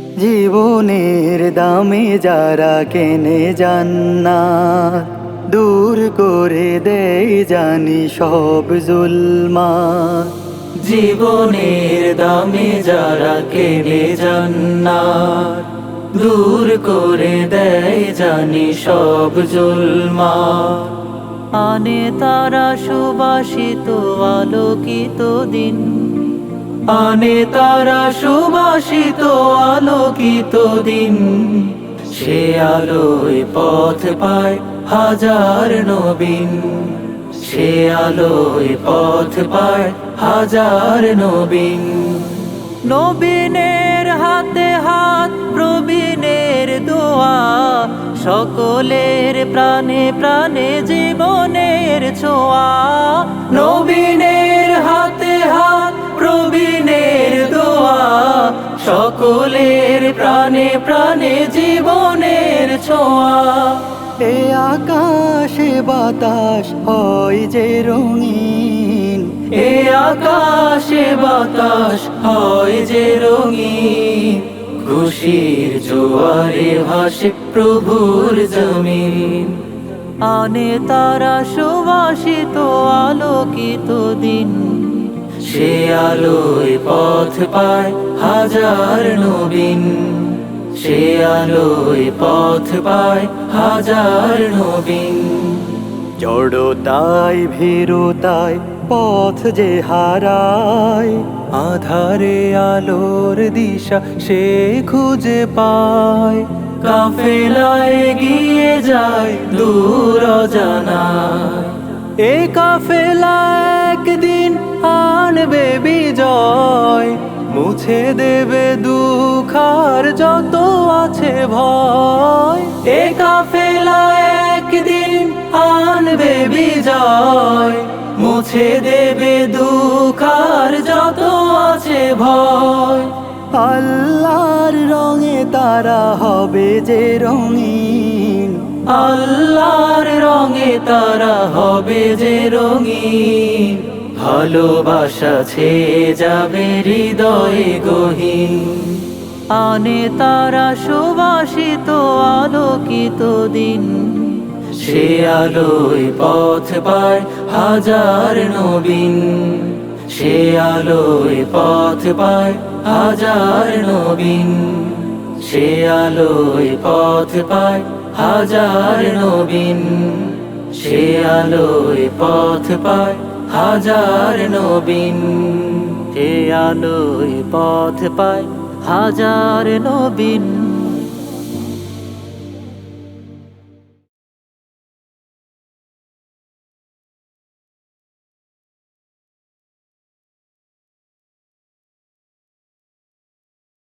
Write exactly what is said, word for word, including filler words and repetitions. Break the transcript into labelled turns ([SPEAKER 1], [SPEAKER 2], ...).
[SPEAKER 1] জীবনের দামে যারা কেনে জান্নাত, দূর করে দেয় জানি সব জুলমাত।
[SPEAKER 2] জীবনের দামে যারা কেনে জান্নাত, দূর করে দেয় জানি সব জুলমাত। আনে তারা সুবাসিত আলোকিত দিন, আনে তারা সুবাসিত আলোকিত দিন। সে আলোয় পথ পায় হাজার নবীন, সে আলোয় পথ পায় হাজার নবীন। নবীনের হাতে হাত প্রবীণের দোয়া, সকলের প্রাণে প্রাণে জীবনের ছোঁয়া। নবীনের হাতে হাত প্রবীণের দোয়া, সকলের প্রাণে প্রাণে জীবনের ছোঁয়া।
[SPEAKER 1] এ আকাশে বাতাস হয় যে রঙিন,
[SPEAKER 2] এ আকাশে বাতাস হয় যে রঙিন। খুশির জোয়ারে ভাসে প্রভুর জমিন, আনে তারা সুবাসিত আলোকিত দিন। সে আলোয় পথ পায় হাজার নবীন, সে আলোয় পথ পায় হাজার নবীন।
[SPEAKER 1] জড়তায় ভীরুতায় পথ যে হারায়,
[SPEAKER 2] আধারে আলোর দিশা সে খুঁজে পায়। কাফেলায় গিয়ে যায় দূর অজানায়, এ কাফেলা একদিন আনবে বিজয়। মুছে দেবে দুঃখ আর যত আছে ভয়, এ কাফেলা একদিন আনবে বিজয়। মুছে দেবে দুঃখ আর যত আছে ভয়।
[SPEAKER 1] আল্লাহর রঙে তারা হবে যে রঙিন,
[SPEAKER 2] আল্লাহর রঙে তারা হবে যে রঙিন। ভালোবাসা ছেয়ে যাবে হৃদয়ে গহীন, আনে তারা সুবাসিত আলোকিত দিন। সে আলোয় পথ পায় হাজার নবীন, সে আলোয় পথ পায় হাজার নবীন। সে আলোয় পথ পায় হাজার নবীন, সে আলোয় পথ পায় হাজার নবীন। সে আলোয় পথ পায় হাজার নবীন।